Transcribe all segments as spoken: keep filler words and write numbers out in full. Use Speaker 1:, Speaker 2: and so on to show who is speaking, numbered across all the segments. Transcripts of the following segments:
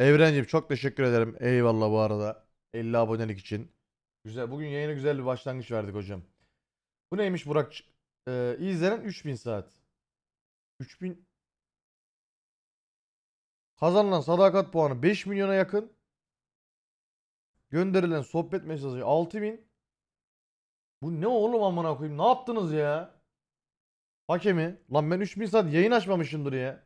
Speaker 1: Evrencim çok teşekkür ederim. Eyvallah bu arada. elli abonelik için. Güzel. Bugün yayına güzel bir başlangıç verdik hocam. Bu neymiş Burak? Ee, izlenen üç bin saat. üç bin kazanılan sadakat puanı beş milyona yakın. Gönderilen sohbet mesajı altı bin. Bu ne oğlum amına koyayım? Ne yaptınız ya? Hakemi. Lan ben üç bin saat yayın açmamışımdır ya.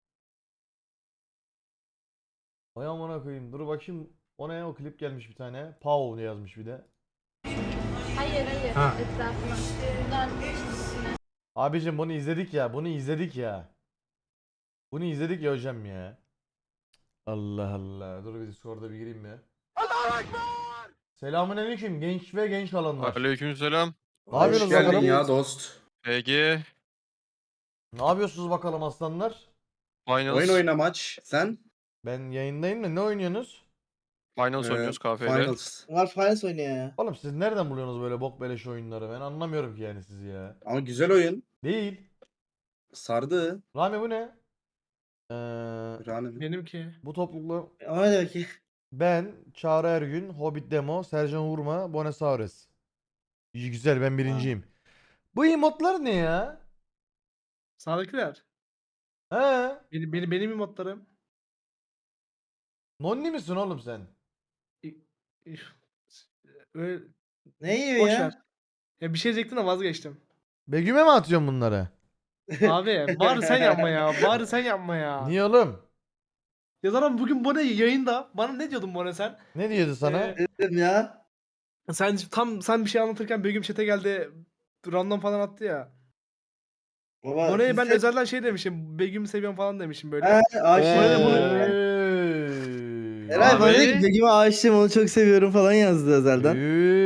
Speaker 1: Vay amına koyayım. Dur bakayım. O ne? O klip gelmiş bir tane. Pau yazmış bir de.
Speaker 2: Hayır hayır.
Speaker 3: Ha.
Speaker 2: Etrafına. Bundan
Speaker 1: Abicim bunu izledik ya. Bunu izledik ya. Bunu izledik ya hocam ya. Allah Allah. Dur bir Discord'a bir gireyim mi? Selamünaleyküm genç ve genç kalanlar.
Speaker 4: Aleykümselam.
Speaker 1: Ne yapıyorsunuz
Speaker 3: Hoş geldin
Speaker 1: bakalım?
Speaker 3: ya dost.
Speaker 4: P G
Speaker 1: Ne yapıyorsunuz bakalım aslanlar?
Speaker 4: Finals.
Speaker 3: Oyun oyna maç. Sen?
Speaker 1: Ben yayındayım da ne oynuyorsunuz?
Speaker 4: Finals
Speaker 3: Ee,
Speaker 4: oynuyoruz K F L.
Speaker 3: Finals.
Speaker 5: Var Finals oynuyor ya.
Speaker 1: Oğlum siz nereden buluyorsunuz böyle bok beleş oyunları? Ben anlamıyorum ki yani sizi ya.
Speaker 3: Ama güzel oyun.
Speaker 1: Değil.
Speaker 3: Sardı.
Speaker 1: Rami bu ne? Ee,
Speaker 3: Rani.
Speaker 5: Benimki.
Speaker 1: bu toplulukla
Speaker 5: Ama ne demek ki?
Speaker 1: ben, Çağrı Ergün, Hobbit Demo, Sercan Vurma, Bonesaures. İyi güzel ben birinciyim. Bu emotlar ne ya?
Speaker 5: Sağdakiler.
Speaker 1: He?
Speaker 5: Benim, benim, benim emotlarım.
Speaker 1: Nonni misin oğlum sen?
Speaker 5: Öyle
Speaker 6: Ne yiyor
Speaker 5: boş
Speaker 6: ya?
Speaker 5: ver. Ya bir şey diyecektim de vazgeçtim.
Speaker 1: Begüm'e mi atıyorsun bunları?
Speaker 5: Abi bari sen yapma ya. Bari sen yapma ya.
Speaker 1: Niye oğlum?
Speaker 5: Ya zaten bugün Bone yayında. Bana ne diyordun Bone sen?
Speaker 1: Ne diyordu sana?
Speaker 5: Ee,
Speaker 6: Dedim ya.
Speaker 5: Sen tam sen bir şey anlatırken Begüm chat'e geldi. Random falan attı ya.
Speaker 6: Baba.
Speaker 5: Bone'ye ben
Speaker 6: biz hep-
Speaker 5: özelden şey demişim. Begüm'ü seviyorum falan demişim böyle.
Speaker 6: He, aşığım.
Speaker 5: Bana da bunu-
Speaker 1: Eyyy.
Speaker 6: Eray bana
Speaker 4: Abi.
Speaker 6: dedi ki Begüm'e aşığım onu çok seviyorum falan yazdı özelden.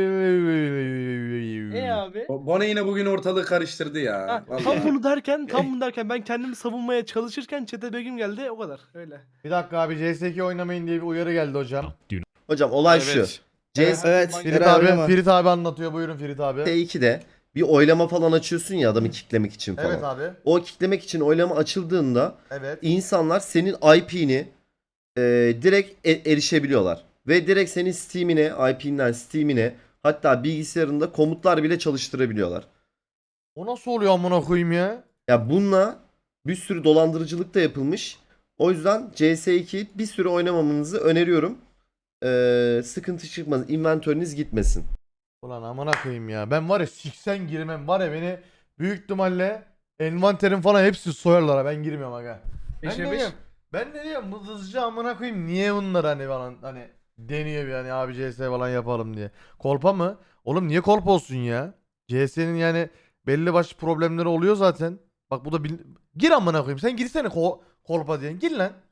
Speaker 5: E abi.
Speaker 3: Bo- Bone yine bugün ortalığı karıştırdı
Speaker 5: Ha,
Speaker 3: ya.
Speaker 5: tam
Speaker 3: Vallahi.
Speaker 5: bunu derken, tam bunu derken ben kendimi savunmaya çalışırken chat'e Begüm geldi. O kadar. Öyle.
Speaker 1: Bir dakika abi C S iki oynamayın diye bir uyarı geldi hocam.
Speaker 7: Hocam olay
Speaker 4: Evet.
Speaker 7: şu. C S
Speaker 6: Evet.
Speaker 5: Ferit
Speaker 1: Ferit
Speaker 6: Eray
Speaker 1: abi,
Speaker 6: oynama.
Speaker 1: Ferit abi anlatıyor. Buyurun Ferit abi.
Speaker 7: ikide bir oylama falan açıyorsun ya adamı kicklemek için falan.
Speaker 1: Evet abi.
Speaker 7: O kicklemek için oylama açıldığında
Speaker 1: Evet.
Speaker 7: insanlar senin I P'ni e, direkt e- erişebiliyorlar. Ve direkt senin Steam'ine, I P'nden Steam'ine hatta bilgisayarında komutlar bile çalıştırabiliyorlar.
Speaker 1: O nasıl oluyor amına koyayım ya?
Speaker 7: Ya bununla bir sürü dolandırıcılık da yapılmış. O yüzden C S iki bir süre oynamamanızı öneriyorum. Ee, sıkıntı çıkmaz. Inventörünüz gitmesin.
Speaker 1: Ulan amına koyayım ya. Ben var ya siksen girmem. Var ya beni büyük ihtimalle envanterim falan hepsi soyarlar ha. Ben girmiyorum aga. Ben
Speaker 5: Beşe
Speaker 1: ne
Speaker 5: beş.
Speaker 1: diyorum? Ben ne diyorum? Bu hızlıca amına koyayım. Niye bunlar hani falan hani deniyor bir hani abi C S falan yapalım diye. Kolpa mı? Oğlum niye kolpa olsun ya? C S'nin yani belli başlı problemleri oluyor zaten. Bak bu da bil... Gir amına koyayım. Sen girsene ko kolpa diyen. Gir lan.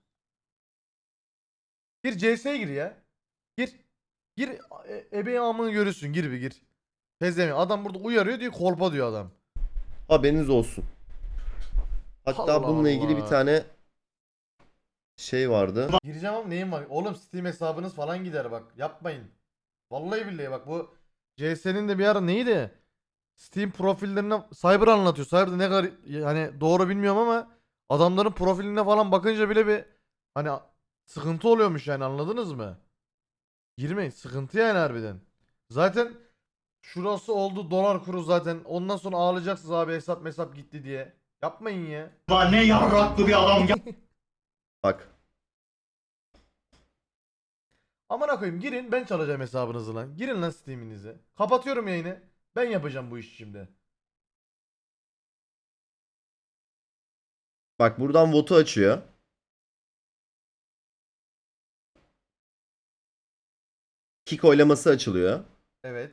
Speaker 1: Gir C S'ye gir ya. Gir. Gir e ebeğin amını görürsün. Gir bir gir. Tezemi. Adam burada uyarıyor diyor kolpa diyor adam.
Speaker 7: Haberiniz olsun. Hatta
Speaker 1: Allah
Speaker 7: bununla ilgili
Speaker 1: Allah.
Speaker 7: bir tane şey vardı.
Speaker 1: Gireceğim ama neyim var? Oğlum Steam hesabınız falan gider bak. Yapmayın. Vallahi billahi bak bu C S'nin de bir ara neydi? Steam profillerine Cyber anlatıyor. Cyber'da ne kadar hani doğru bilmiyorum ama adamların profiline falan bakınca bile bir hani sıkıntı oluyormuş yani anladınız mı? Girmeyin. Sıkıntı yani harbiden. Zaten şurası oldu dolar kuru zaten. Ondan sonra ağlayacaksınız abi hesap hesap gitti diye. Yapmayın ya.
Speaker 8: Ne yarraklı bir adam ya.
Speaker 7: Bak.
Speaker 1: Amına koyayım girin ben çalacağım hesabınızı lan. Girin lan Steam'inizi. Kapatıyorum yayını. Ben yapacağım bu işi şimdi.
Speaker 7: Bak buradan votu açıyor. Kick oylaması açılıyor.
Speaker 1: Evet.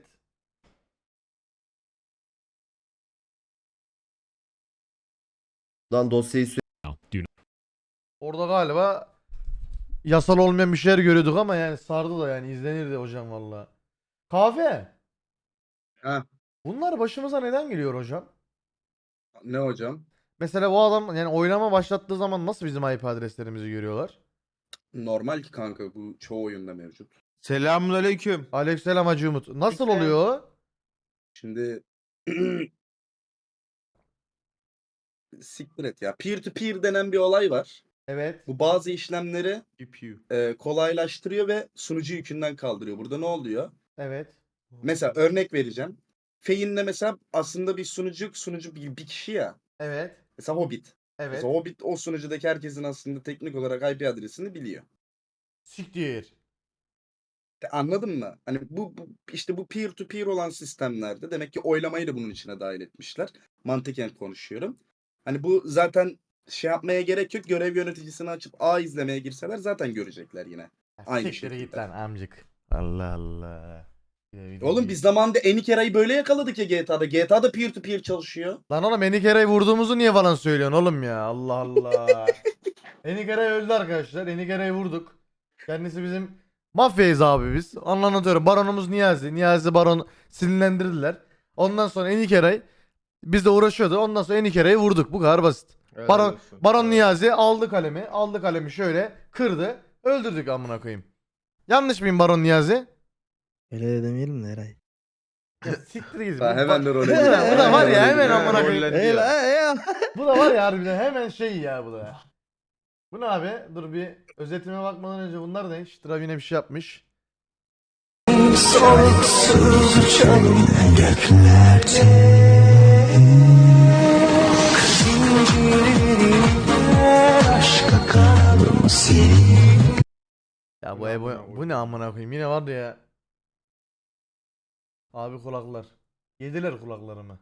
Speaker 7: Buradan dosyayı sü-
Speaker 1: Orada galiba yasal olmayan bir şeyler görüyorduk ama yani sardı da yani izlenirdi hocam valla. Kahve.
Speaker 3: Ha,
Speaker 1: Bunlar başımıza neden geliyor hocam?
Speaker 3: ne hocam?
Speaker 1: Mesela bu adam yani oylama başlattığı zaman nasıl bizim I P adreslerimizi görüyorlar?
Speaker 3: Normal ki kanka bu çoğu oyunda mevcut.
Speaker 8: Selamünaleyküm.
Speaker 1: Aleykümselam Hacı Umut. Nasıl
Speaker 5: Peki.
Speaker 1: oluyor o?
Speaker 3: Şimdi siktir et ya. Peer to peer denen bir olay var.
Speaker 1: Evet.
Speaker 3: Bu bazı işlemleri
Speaker 5: G P U.
Speaker 3: e, kolaylaştırıyor ve sunucu yükünden kaldırıyor. Burada ne oluyor?
Speaker 1: Evet.
Speaker 3: Mesela örnek vereceğim. Feyin'le mesela aslında bir sunucu sunucu bir, bir kişi ya.
Speaker 1: Evet.
Speaker 3: Mesela Hobbit.
Speaker 1: Evet.
Speaker 3: Mesela Hobbit o sunucudaki herkesin aslında teknik olarak I P adresini biliyor.
Speaker 1: Siktir.
Speaker 3: De- Anladın mı? Hani bu, bu işte bu peer to peer olan sistemlerde demek ki oylamayı da bunun içine dahil etmişler. Mantıken konuşuyorum. Hani bu zaten şey yapmaya gerek yok. Görev yöneticisini açıp A izlemeye girseler zaten görecekler yine. Aynı
Speaker 1: Siktir git
Speaker 3: şekilde.
Speaker 1: lan amcık. Allah Allah. Bir de bir de
Speaker 3: Oğlum
Speaker 1: bir-
Speaker 3: biz zamanında Enikera'yı böyle yakaladık ya G T A'da. G T A'da peer to peer çalışıyor.
Speaker 1: Lan oğlum Enikera'yı vurduğumuzu niye falan söylüyorsun oğlum ya? Allah Allah. Enikera öldü arkadaşlar. Enikera'yı vurduk. Kendisi bizim mafyayız abi biz. Onu anlatıyorum. Baronumuz Niyazi. Niyazi Baron sinirlendirdiler. Ondan sonra Enikera'yı biz de uğraşıyordu. Ondan sonra Enikera'yı vurduk. Bu kadar basit. Baron, Baron Niyazi aldı kalemi. Aldı kalemi şöyle kırdı. Öldürdük amına koyayım. Yanlış mıyım Baron Niyazi?
Speaker 6: Öyle de demeyelim de Eray.
Speaker 1: Ya siktir git.
Speaker 3: Ha,
Speaker 1: Bu-
Speaker 3: hemen de role
Speaker 1: Bu da-
Speaker 3: giriyor.
Speaker 1: bu da var ya
Speaker 3: role
Speaker 1: hemen
Speaker 3: giriyor.
Speaker 1: amına koyayım.
Speaker 5: Rollendi
Speaker 6: Ey
Speaker 5: ya.
Speaker 6: la ya.
Speaker 1: Bu da var ya harbiden hemen şey ya bu da. Bu ne abi? Dur bir özetime bakmadan önce bunlar ne? Şıtıra yine bir şey yapmış. Ya bu
Speaker 5: Bu ne
Speaker 1: Ebo,
Speaker 5: amına
Speaker 1: bu ne amına koyayım yine vardı ya. Abi kulaklar. Yediler kulaklarımı.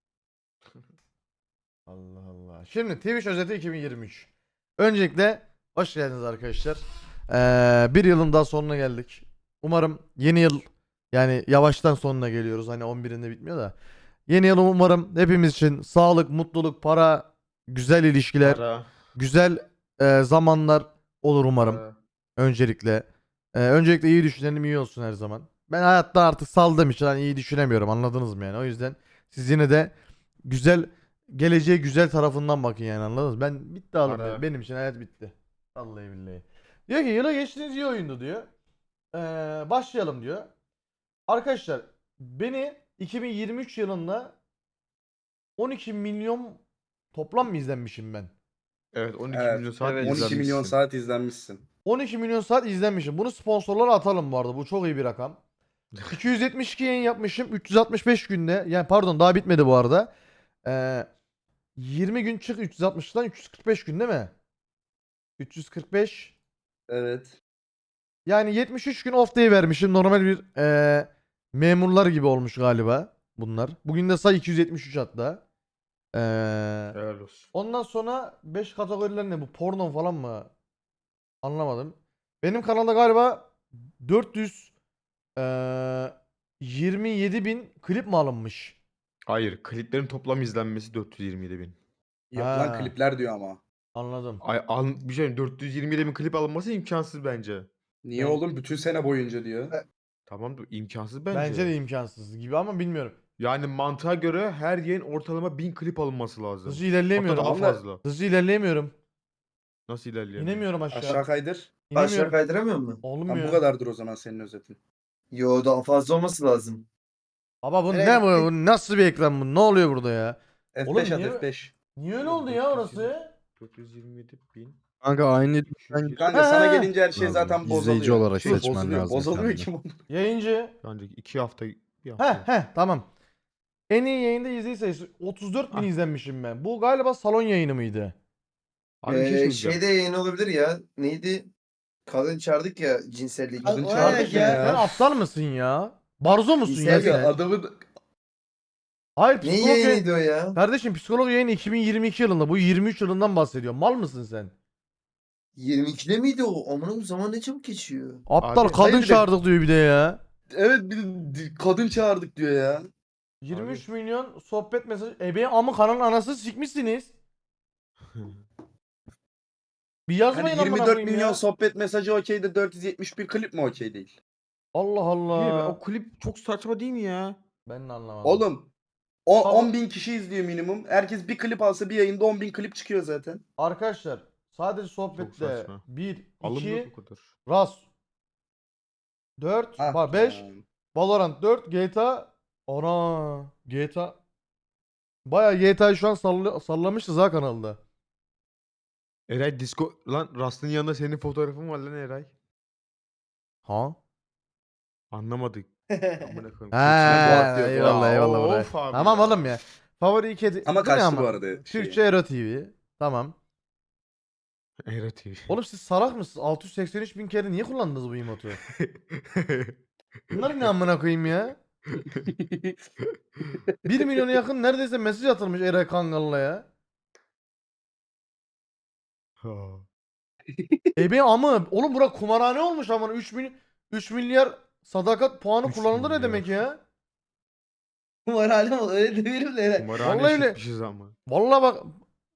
Speaker 1: Allah Allah. Şimdi Twitch özeti iki bin yirmi üç. Öncelikle hoş geldiniz arkadaşlar. Ee, bir yılın daha sonuna geldik. Umarım yeni yıl yani yavaştan sonuna geliyoruz. Hani on birinde bitmiyor da. Yeni yıl umarım hepimiz için sağlık, mutluluk, para, güzel ilişkiler,
Speaker 5: Para,
Speaker 1: güzel e, zamanlar olur umarım.
Speaker 5: para.
Speaker 1: Öncelikle. Ee, öncelikle iyi düşünelim iyi olsun her zaman. Ben hayatta artık saldığım için hani iyi düşünemiyorum anladınız mı yani. O yüzden siz yine de güzel geleceğe güzel tarafından bakın yani anladınız mı? Ben bitti oğlum
Speaker 5: Ara.
Speaker 1: ya. Benim için hayat bitti. Vallahi billahi. Diyor ki yıla geçtiğiniz iyi oyundu diyor. Ee, başlayalım diyor. Arkadaşlar beni iki bin yirmi üç yılında on iki milyon toplam mı izlenmişim ben?
Speaker 5: Evet on iki
Speaker 3: Evet,
Speaker 5: milyon saat
Speaker 6: evet.
Speaker 3: on iki milyon
Speaker 5: izlenmişsin.
Speaker 3: saat izlenmişsin.
Speaker 1: on iki milyon saat izlenmişim. Bunu sponsorlara atalım bu arada. Bu çok iyi bir rakam. iki yüz yetmiş iki yayın yapmışım. üç yüz altmış beş günde. Yani pardon daha bitmedi bu arada. Ee, yirmi gün çık üç yüz altmıştan üç yüz kırk beş gün değil mi? üç yüz kırk beş.
Speaker 3: Evet.
Speaker 1: Yani yetmiş üç gün off day vermişim. Normal bir ee, memurlar gibi olmuş galiba bunlar. Bugün de say iki yüz yetmiş üç hatta. Ee,
Speaker 5: Helal olsun.
Speaker 1: Ondan sonra beş kategoriler ne bu? Porno falan mı? Anlamadım. Benim kanalda galiba dört yüz eee, yirmi yedi bin klip mi alınmış?
Speaker 5: Hayır kliplerin toplam izlenmesi dört yüz yirmi yedi bin.
Speaker 3: Yok
Speaker 1: Ha.
Speaker 3: lan klipler diyor ama.
Speaker 1: Anladım.
Speaker 5: Ay, al, bir şey dört yüz yirmi yedi bin klip alınması imkansız bence.
Speaker 3: Niye
Speaker 1: Ne?
Speaker 3: oğlum bütün sene boyunca diyor.
Speaker 5: Tamam da imkansız bence.
Speaker 1: Bence de imkansız gibi ama bilmiyorum.
Speaker 5: Yani mantığa göre her yayın ortalama bin klip alınması lazım.
Speaker 1: Hızlı
Speaker 5: Hatta
Speaker 1: ilerleyemiyorum.
Speaker 5: daha
Speaker 3: Ama-
Speaker 5: fazla.
Speaker 1: Hızlı ilerleyemiyorum.
Speaker 5: Nasıl ilerleyelim?
Speaker 1: İnemiyorum aşağı.
Speaker 3: Aşağı kaydır.
Speaker 6: Aşağı
Speaker 1: İnemiyorum.
Speaker 6: kaydıramıyor mu?
Speaker 1: Olmuyor.
Speaker 3: Tam bu kadardır o zaman senin özetin.
Speaker 6: Yo daha fazla olması lazım.
Speaker 1: Baba bu
Speaker 6: Nereye
Speaker 1: ne bu?
Speaker 6: gittik?
Speaker 1: Bu nasıl bir ekran bu? Ne oluyor burada ya?
Speaker 3: F beş
Speaker 1: Oğlum
Speaker 3: at
Speaker 1: niye-
Speaker 3: F beş.
Speaker 1: Niye öyle oldu ya orası?
Speaker 5: dört yüz yirmi yedi bin.
Speaker 4: Kanka aynı
Speaker 5: üç yüz yirmi.
Speaker 3: Kanka
Speaker 1: Ha.
Speaker 3: sana gelince her şey
Speaker 4: Lazım.
Speaker 3: zaten bozuluyor.
Speaker 4: İzleyici olarak
Speaker 3: Şey,
Speaker 4: seçmen
Speaker 3: bozuluyor.
Speaker 4: lazım
Speaker 3: Bozulmuyor
Speaker 4: kendine.
Speaker 3: ki bunu.
Speaker 1: Yayıncı.
Speaker 5: Bence iki hafta bir
Speaker 1: Heh
Speaker 5: hafta.
Speaker 1: heh tamam. En iyi yayında izleyici sayısı otuz dört bin
Speaker 5: Ah.
Speaker 1: izlenmişim ben. Bu galiba salon yayını mıydı?
Speaker 5: Abi bir şey
Speaker 9: Ee,
Speaker 5: söyleyeceğim.
Speaker 9: şeyde yayın olabilir ya. Neydi? Kadın çağırdık ya cinsellik.
Speaker 3: Kadın
Speaker 6: O
Speaker 3: çağırdık
Speaker 6: ayak
Speaker 3: ya.
Speaker 6: ya.
Speaker 1: Sen aptal mısın ya? Barzo musun ya
Speaker 9: İzleyici
Speaker 1: sen?
Speaker 3: Adamın
Speaker 1: Hayır
Speaker 9: Ne
Speaker 1: psikolog yayın...
Speaker 9: yayınıydı o ya?
Speaker 1: Kardeşim psikolog yayını iki bin yirmi iki yılında. Bu yirmi üç yılından bahsediyor. Mal mısın sen?
Speaker 9: yirmi ikide miydi o? Amına bu zaman ne çabuk geçiyor.
Speaker 1: Aptal
Speaker 5: Abi,
Speaker 1: kadın
Speaker 3: hayır bir de-
Speaker 1: çağırdık diyor bir de ya.
Speaker 3: evet bir de kadın çağırdık diyor ya.
Speaker 1: yirmi üç milyon sohbet mesajı. Ebe ama kanalın anasını sikmişsiniz. Bir yazmayın
Speaker 3: Hani
Speaker 1: amına
Speaker 3: yirmi dört
Speaker 1: koyayım
Speaker 3: milyon
Speaker 1: ya.
Speaker 3: sohbet mesajı okey de dört yüz yetmiş bir klip mi okey değil?
Speaker 1: Allah
Speaker 5: Değil mi?
Speaker 1: Allah.
Speaker 5: O klip çok saçma değil mi ya?
Speaker 1: Ben de anlamadım.
Speaker 3: Oğlum o,
Speaker 1: Tamam.
Speaker 3: on bin kişi izliyor minimum. Herkes bir klip alsa bir yayında on bin klip çıkıyor zaten.
Speaker 1: Arkadaşlar sadece
Speaker 5: Çok
Speaker 1: sohbette
Speaker 5: saçma.
Speaker 1: bir,
Speaker 5: Alınmıyor
Speaker 1: iki,
Speaker 5: bu kadar.
Speaker 1: Ras dört,
Speaker 3: Ah
Speaker 1: var beş,
Speaker 3: ya.
Speaker 1: Valorant dört, G T A ana G T A Baya G T A'yı şu an salla, sallamışız ha kanalda.
Speaker 8: Eray disco lan Rust'ın yanında senin fotoğrafın var lan Eray.
Speaker 1: Ha?
Speaker 8: Anlamadık. Amına koyayım.
Speaker 1: Ha,
Speaker 3: atıyor.
Speaker 1: eyvallah
Speaker 8: Ya,
Speaker 1: eyvallah buraya.
Speaker 8: of abi
Speaker 1: Tamam
Speaker 8: ya.
Speaker 1: oğlum ya. Favori iki edi-
Speaker 3: Ama
Speaker 1: Bu ne
Speaker 3: kaçtı bu arada şey.
Speaker 1: Türkçe Ero T V. Tamam.
Speaker 8: Eray T V.
Speaker 1: Oğlum siz salak mısınız? altı yüz seksen üç bin kere niye kullandınız bu emotu? Bunlar ne amına koyayım ya? bir milyona yakın neredeyse mesaj atılmış Eray Kangal'la ya.
Speaker 8: Ha.
Speaker 1: Ebe amı. Oğlum bura kumarhane olmuş ama üç mil üç milyar sadakat puanı
Speaker 8: üç
Speaker 1: kullanıldı ne
Speaker 8: milyar.
Speaker 1: demek ya?
Speaker 6: Kumarhane mi? Öyle demeyelim de Eray.
Speaker 8: Kumarhane
Speaker 1: Vallahi öyle.
Speaker 8: şişmişiz ama.
Speaker 1: Vallahi bak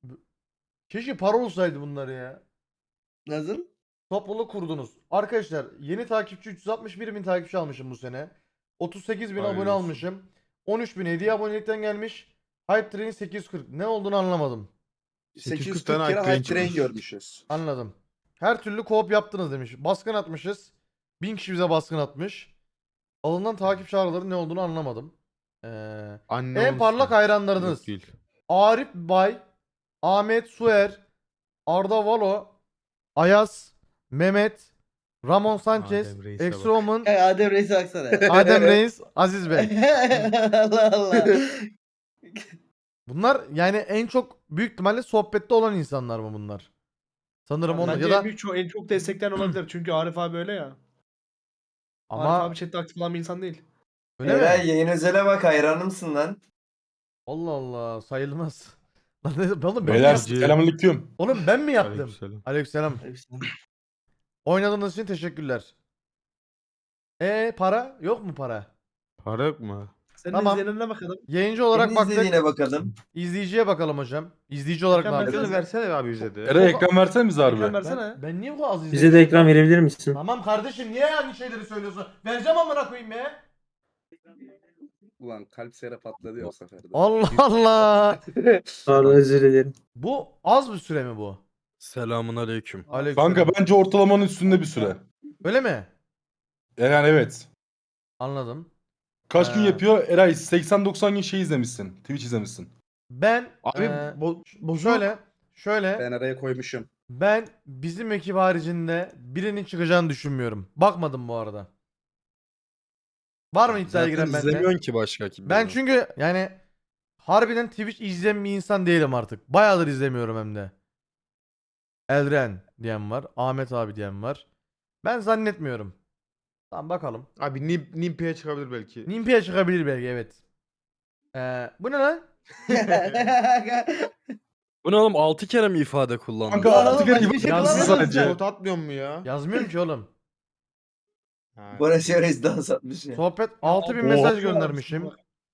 Speaker 1: keşke para olsaydı bunları ya.
Speaker 6: Nasıl?
Speaker 1: Topluluk kurdunuz. Arkadaşlar yeni takipçi üç yüz altmış bir bin takipçi almışım bu sene. otuz sekiz bin
Speaker 8: Hayırlı
Speaker 1: abone
Speaker 8: olsun.
Speaker 1: almışım. on üç bin hediye abonelikten gelmiş. Hype Train sekiz yüz kırk. Ne olduğunu anlamadım.
Speaker 3: sekiz yüz
Speaker 8: tane
Speaker 3: kırk kere
Speaker 8: hype train
Speaker 3: hype train
Speaker 8: çıkmış.
Speaker 3: görmüşüz.
Speaker 1: Anladım. Her türlü co-op yaptınız demiş. Baskın atmışız. bin kişi bize baskın atmış. Alınan takip çağrıları ne olduğunu anlamadım. Ee,
Speaker 8: Anne
Speaker 1: en
Speaker 8: olsun.
Speaker 1: parlak hayranlarınız.
Speaker 8: Yok değil.
Speaker 1: Arif Bay, Ahmet Suer, Arda Valo, Ayaz, Mehmet, Ramon Sanchez,
Speaker 8: Adem Reis'e bak.
Speaker 1: Exroman,
Speaker 6: Hey, Adem Reis'e baksana.
Speaker 1: Adem Reis, Aziz Bey.
Speaker 6: Allah Allah.
Speaker 1: Bunlar yani en çok büyük ihtimalle sohbette olan insanlar mı bunlar? Sanırım onlar
Speaker 5: Bence
Speaker 1: ya
Speaker 5: en,
Speaker 1: da
Speaker 5: büyük, çok, en çok destekleyen olabilir. Çünkü Arif abi öyle ya. Arif
Speaker 1: ama
Speaker 5: abi chatte aktif olan bir insan değil.
Speaker 1: öyle mi?
Speaker 6: Eray yayın özele bak hayranımsın lan.
Speaker 1: Allah Allah sayılmaz. Lan ne- Oğlum ben, mi
Speaker 8: Beyler
Speaker 1: yaptım?
Speaker 8: selamünaleyküm.
Speaker 1: Oğlum ben mi yaptım?
Speaker 8: Aleykümselam.
Speaker 1: Aleykümselam. Oynadığınız için teşekkürler. E para? Yok mu para?
Speaker 8: Para yok mu?
Speaker 5: Senin
Speaker 1: Tamam.
Speaker 5: izleyenlerine bakalım.
Speaker 1: Yayıncı olarak
Speaker 6: Senin
Speaker 1: baktık.
Speaker 6: izlediğine bakalım.
Speaker 1: İzleyiciye bakalım hocam. İzleyici olarak ne
Speaker 5: Ekran
Speaker 1: yapacağız?
Speaker 5: versene.
Speaker 8: Ekranı versene abi bize de.
Speaker 4: Eray ekran versene bize
Speaker 5: Ekran
Speaker 4: harbi.
Speaker 5: versene.
Speaker 1: Ben, ben niye bu kadar az izleyeceğim?
Speaker 10: Bize de ekran verebilir misin?
Speaker 1: Tamam kardeşim niye aynı şeyleri söylüyorsun? Vereceğim amına koyayım ya.
Speaker 3: Ulan kalp sere patladı ya o sefer de.
Speaker 1: Allah Allah.
Speaker 10: Pardon özür dilerim.
Speaker 1: Bu az bir süre mi bu?
Speaker 4: Selamun aleyküm.
Speaker 1: Aleykümselam.
Speaker 4: Kanka bence ortalamanın üstünde bir süre.
Speaker 1: Öyle mi?
Speaker 4: Yani evet.
Speaker 1: Anladım.
Speaker 4: Kaç gün
Speaker 1: Ee.
Speaker 4: yapıyor? Eray seksen doksan gün şey izlemişsin. Twitch izlemişsin.
Speaker 1: Ben
Speaker 8: Abi
Speaker 1: eee,
Speaker 8: bo- bozuk.
Speaker 1: şöyle şöyle
Speaker 3: Ben araya koymuşum.
Speaker 1: ben bizim ekip haricinde birinin çıkacağını düşünmüyorum. Bakmadım bu arada. Var mı iddiaya giren bende?
Speaker 4: ki başka kim.
Speaker 1: Ben çünkü yani harbiden Twitch izleyen bir insan değilim artık. Bayağıdır izlemiyorum hem de. Elren diyen var. Ahmet abi diyen var. Ben zannetmiyorum. Tamam bakalım.
Speaker 8: Abi Nim Nimpi'ye çıkabilir belki.
Speaker 1: Nimpi'ye çıkabilir belki evet. Ee, bu ne lan?
Speaker 4: Bu ne oğlum altı kere mi ifade kullandın?
Speaker 3: Kanka
Speaker 6: Lan
Speaker 3: altı
Speaker 6: oğlum,
Speaker 3: kere
Speaker 6: başka
Speaker 3: gibi
Speaker 6: bir şey
Speaker 3: yazsın
Speaker 6: kullanmadın
Speaker 3: sadece.
Speaker 6: sen.
Speaker 8: Not atmıyor mu ya?
Speaker 1: Yazmıyorum ki oğlum.
Speaker 8: Ha.
Speaker 6: Barış Reis dans atmış ya.
Speaker 1: Sohbet altı bin
Speaker 5: Oha.
Speaker 1: mesaj göndermişim.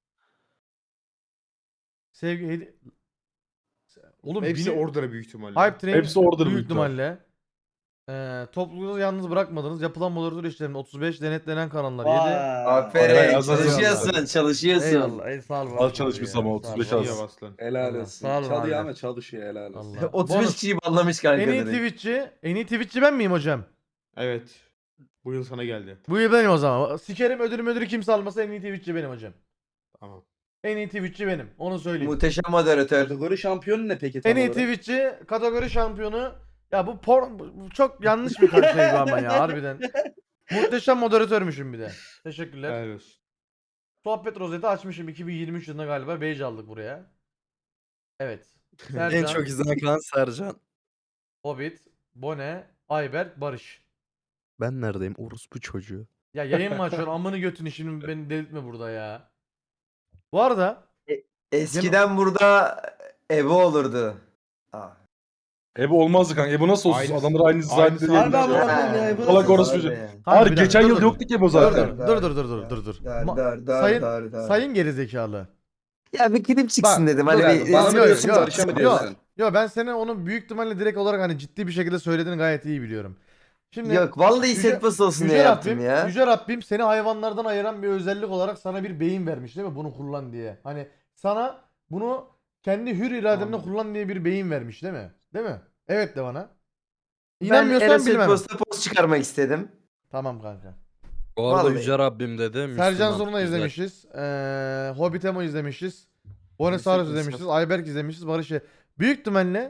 Speaker 1: Sevgi hedi- Oğlum
Speaker 8: Hepsi
Speaker 1: bini-
Speaker 8: order'a büyük ihtimalle.
Speaker 1: Hype Train
Speaker 4: Hepsi order
Speaker 1: büyük
Speaker 4: büyük ihtimal.
Speaker 1: ihtimalle. Ee, topluluğu yalnız bırakmadınız. Yapılan moderatör işlerinde otuz beş denetlenen kanallar yedi.
Speaker 3: Eray,
Speaker 6: Aferin.
Speaker 3: az önce
Speaker 6: Çalışıyorsun, çalışıyorsun.
Speaker 1: Eyvallah. Ey sağ ol.
Speaker 4: Az
Speaker 1: varsın
Speaker 4: çalışmış
Speaker 1: ya,
Speaker 4: ama
Speaker 1: sağ ol,
Speaker 4: otuz beş
Speaker 1: varsın.
Speaker 4: az.
Speaker 8: İyi aslan.
Speaker 3: Helal
Speaker 1: Allah,
Speaker 3: olsun.
Speaker 1: sağ ol
Speaker 3: Çalıyor
Speaker 1: abi.
Speaker 3: ama çalışıyor helal olsun.
Speaker 1: Allah.
Speaker 6: otuz beş
Speaker 1: Bonus.
Speaker 6: kişiyi banlamış kanka.
Speaker 1: En iyi
Speaker 6: direkt.
Speaker 1: Twitch'çi, en iyi Twitch'çi ben miyim hocam?
Speaker 8: Evet. Bu yıl sana geldi.
Speaker 1: Bu yıl benim o zaman. Sikerim ödülüm ödülü kimse almasa en iyi Twitch'çi benim hocam.
Speaker 8: Tamam.
Speaker 1: En iyi Twitch'çi benim. Onu söyleyeyim.
Speaker 6: Muhteşem moderatör.
Speaker 3: Kategori şampiyonu ne peki tam
Speaker 1: En iyi
Speaker 3: olarak?
Speaker 1: Twitch'çi, kategori şampiyonu. Ya bu por bu çok yanlış bir şey bu ama ya harbiden. Muhteşem moderatörmüşüm bir de. Teşekkürler.
Speaker 8: Helal olsun.
Speaker 1: Sohbet rozeti açmışım iki bin yirmi üç yılında galiba. Badge aldık buraya. Evet. Sercan,
Speaker 4: En çok izlenen kanal Sercan.
Speaker 1: Hobbit, Bone, Ayberk, Barış.
Speaker 4: Ben neredeyim? Orospu çocuğu.
Speaker 1: Ya yayın mı açıyorsun? Amını götünü şimdi beni delirtme burada ya. Bu arada
Speaker 6: Eskiden burada Ebo olurdu. Aa.
Speaker 4: Ebo olmazdı kanka. Ebo nasıl olsun?
Speaker 8: Aynısı-
Speaker 4: Adamlar aynı zannediyor.
Speaker 8: aynısı-
Speaker 6: Harbi
Speaker 8: Harbi
Speaker 6: amına
Speaker 8: amına
Speaker 6: koyayım ya. Ebo
Speaker 4: Salak
Speaker 6: nasıl
Speaker 4: orospu
Speaker 6: olurdu
Speaker 4: çocuğu.
Speaker 6: ya?
Speaker 1: Kanka,
Speaker 4: Hayır
Speaker 1: bir dakika,
Speaker 4: geçen
Speaker 1: dur,
Speaker 4: yıl
Speaker 1: dur.
Speaker 4: yoktu ki Ebo
Speaker 1: dur
Speaker 4: zaten.
Speaker 1: dur dur dur dur dur dur dur.
Speaker 6: Dar,
Speaker 1: Ma-
Speaker 6: dar, dar,
Speaker 1: sayın
Speaker 6: dar, dar.
Speaker 1: sayın gerizekalı.
Speaker 6: Ya bir klip çıksın
Speaker 1: Bak,
Speaker 6: dedim.
Speaker 1: dur,
Speaker 6: Hani
Speaker 3: Yani
Speaker 6: bir
Speaker 3: bana mı
Speaker 1: Yok,
Speaker 3: diyorsun
Speaker 1: yok,
Speaker 3: Barış'a mı
Speaker 1: yok.
Speaker 3: diyorsun?
Speaker 1: Yo ben senin onu büyük ihtimalle direkt olarak hani ciddi bir şekilde söylediğini gayet iyi biliyorum. Şimdi
Speaker 6: Yok vallahi
Speaker 1: Yüce-
Speaker 6: set bası olsun diye
Speaker 1: Yüce
Speaker 6: yaptım
Speaker 1: Rabbim,
Speaker 6: ya.
Speaker 1: Yüce Rabbim seni hayvanlardan ayıran bir özellik olarak sana bir beyin vermiş değil mi? Bunu kullan diye. Hani sana bunu kendi hür irademle
Speaker 8: Anladım.
Speaker 1: kullan diye bir beyin vermiş değil mi? Değil mi? Evet de bana.
Speaker 6: Ben
Speaker 1: İnanmıyorsan
Speaker 6: Enes
Speaker 1: bilmem.
Speaker 6: Posta post çıkarmak istedim.
Speaker 1: Tamam kanka.
Speaker 4: Bu arada
Speaker 6: Vallahi.
Speaker 4: Yüce Rabbim dedi.
Speaker 1: Sercan Zoruna izlemişiz. Ee, Hobbit Emo izlemişiz. Bonesaurus izlemişiz. Ayberk izlemişiz. Barış'ı. Büyük ihtimalle